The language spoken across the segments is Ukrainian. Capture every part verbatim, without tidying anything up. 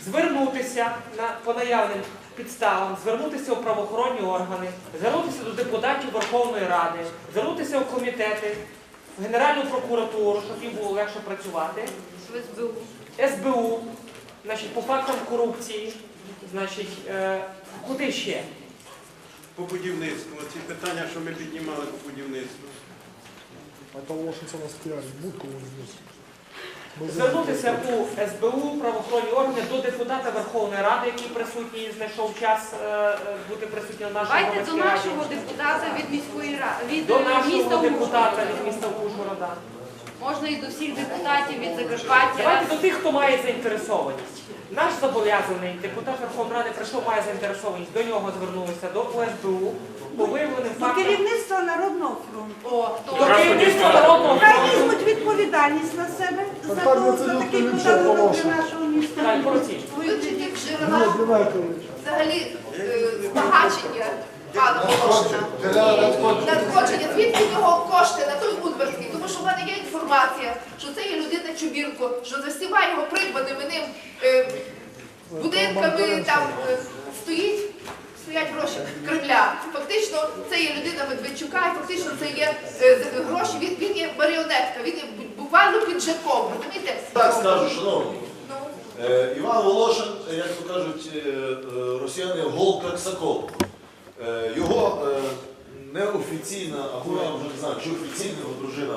звернутися на, по наявним підставам, звернутися у правоохоронні органи, звернутися до депутатів Верховної Ради, звернутися у комітети, в Генеральну прокуратуру, щоб їм було легше працювати, В ес бе у. ес бе у, значить, по фактам корупції, значить, е, куди ще? По будівництву. Ці питання, що ми піднімали по будівництву. А того, що це нас піарить, будь-кого не Звернутися у ес бе у, правоохоронні органи, до депутата Верховної Ради, який присутній, знайшов час е, бути присутнім на нашій Давайте до громадській раді. нашого депутата від міської ради, від До е, міста нашого депутата Ужгорода. від міста Ужгорода. Можна і до всіх депутатів від Закарпаття. Давайте до тих, хто має заінтересованість. Наш зобов'язаний депутат Верховної Ради прийшов, має заінтересованість. До нього звернулися, до у ес бе у, по виявленим До фактам. керівництва Народного фронту. О, До то керівництва Народного Хай фронту. візьмуть відповідальність на себе за, Так, то, це за не такий нічого подарунок хорошого. для нашого міста. Так, молодці. Вивчити Ні, джерела Дмитрович. взагалі е, збагачення пана Волошина. І надходження, звідки в нього кошти на той Удмуртський. Тому що в мене є інформація, що це є людина Чубірко, що за всіма його придбаними ним е, будинками там е, стоїть, стоять гроші Кремля. Фактично це є людина Медведчука, і фактично це є е, з- гроші, він, він є маріонетка, він є буквально піджаком, розумієте? Так скажу, шановні. Ну, Е, Іван Волошин, як то кажуть е, е, росіяни, голка як сокол. Е, Його е, неофіційна, або я вже не знаю, чи офіційна його дружина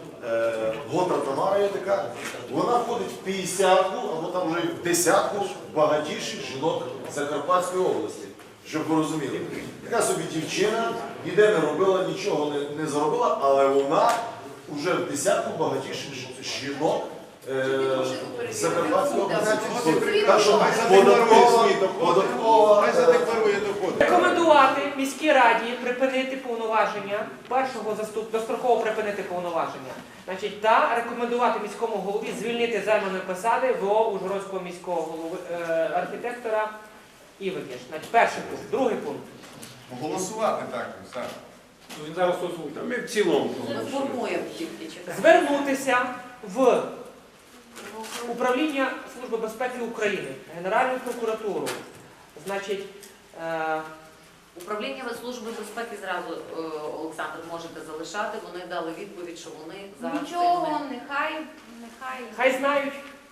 е, Гота Тамара є така, вона входить в п'ятдесятку, або там вже в десятку багатіших жінок Закарпатської області, щоб ви розуміли. Така собі дівчина, ніде не робила, нічого не, не заробила, але вона вже в десятку багатіших жінок е, Закарпатської області. Так що податкова, податкова, Хай е, задекларує доходи. Рекомендувати міській раді припинити повноваження, першого заступ, достроково припинити повноваження. Значить, та рекомендувати міському голові звільнити з займаної посади ВО Ужгородського міського голови, е, архітектора Івикіш. Значить, перший пункт. Другий пункт. Голосувати так, так. Він зараз озвучить. Ми в цілому. формує тільки чекати. Звернутися в Управління Служби безпеки України, Генеральну прокуратуру. Значить, е, Управління Служби безпеки зразу, е, Олександр, можете залишати. Вони дали відповідь, що вони зараз Нічого, цим не- нехай, нехай. хай знають.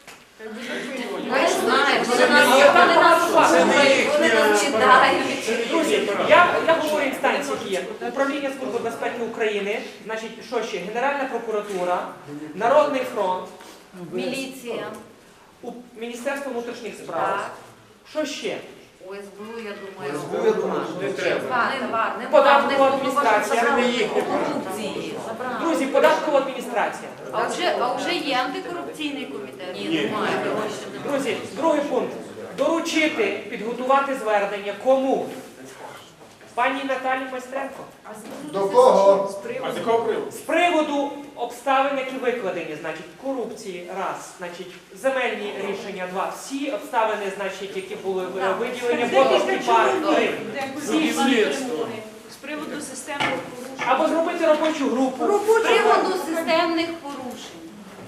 Хай знають, вони нас, Але там вони нас багато слухають, вони нас читають. Друзі, я, я говорю інстанції, які є. Управління Служби безпеки України, значить, що ще? Генеральна прокуратура, Народний фронт, Міліція. у- Міністерство внутрішніх справ. Так. Що ще? О ес бе у, я думаю, Не треба. Нема, нема, Податкова не адміністрація. забрали Це не їхня корупції. Забрали. Друзі, податкова адміністрація. А вже, а вже є антикорупційний комітет. Ні, немає. гроші немає. Друзі, другий пункт. Доручити, підготувати звернення кому? Пані Наталі Майстренко. До кого? А з якого приводу? З приводу обставин, які викладені, значить, корупції, раз, значить, земельні рішення, два, всі обставини, значить, які були е, виділені, Ботовський парк, три. Всі, всі. З приводу системних порушень. Або зробити робочу групу. З приводу системних порушень.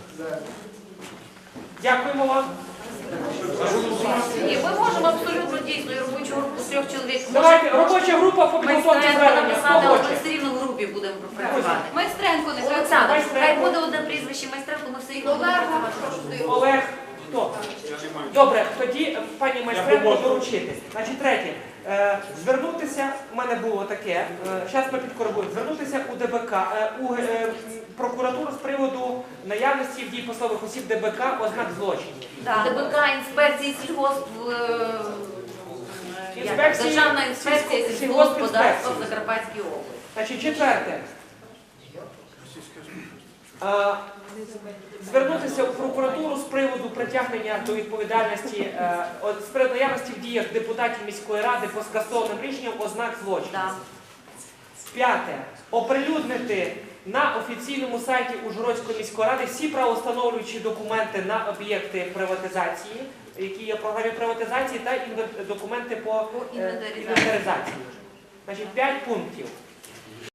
Дякуємо вам. Ні, ми можемо абсолютно дійсно і робочу групу з трьох чоловік. Давайте, робоча група по Ми підготовці знаємо звернення. Хто написати, але ми хоче? все рівно в групі будемо пропрацювати. Майстренко нехай. Олександр, Майстренко. хай буде одне прізвище Майстренко, ми все рівно будемо Олега, працювати. прошу ти. Олег, хто? Добре, тоді е, пані Майстренко доручити. Значить, третє. Е, Звернутися, у мене було таке, зараз ми підкоригуємо, звернутися у де бе ка, е, у е, прокуратуру з приводу наявності в дії посадових осіб де бе ка ознак злочинів. де бэ ка, інспекції сільгосп, е, як, Інспекції Державна інспекція сільсько- сільгосподарства в сільгоспінспекції. Закарпатській області. Значить, четверте. Е, Звернутися у прокуратуру з приводу притягнення до відповідальності, е, от, з приводу наявності в діях депутатів міської ради по скасованим рішенням ознак злочину. Да. П'яте. Оприлюднити на офіційному сайті Ужгородської міської ради всі правоустановлюючі документи на об'єкти приватизації, які є в програмі приватизації, та інвен- документи по е, інвентаризації. інвентаризації. Значить, п'ять пунктів.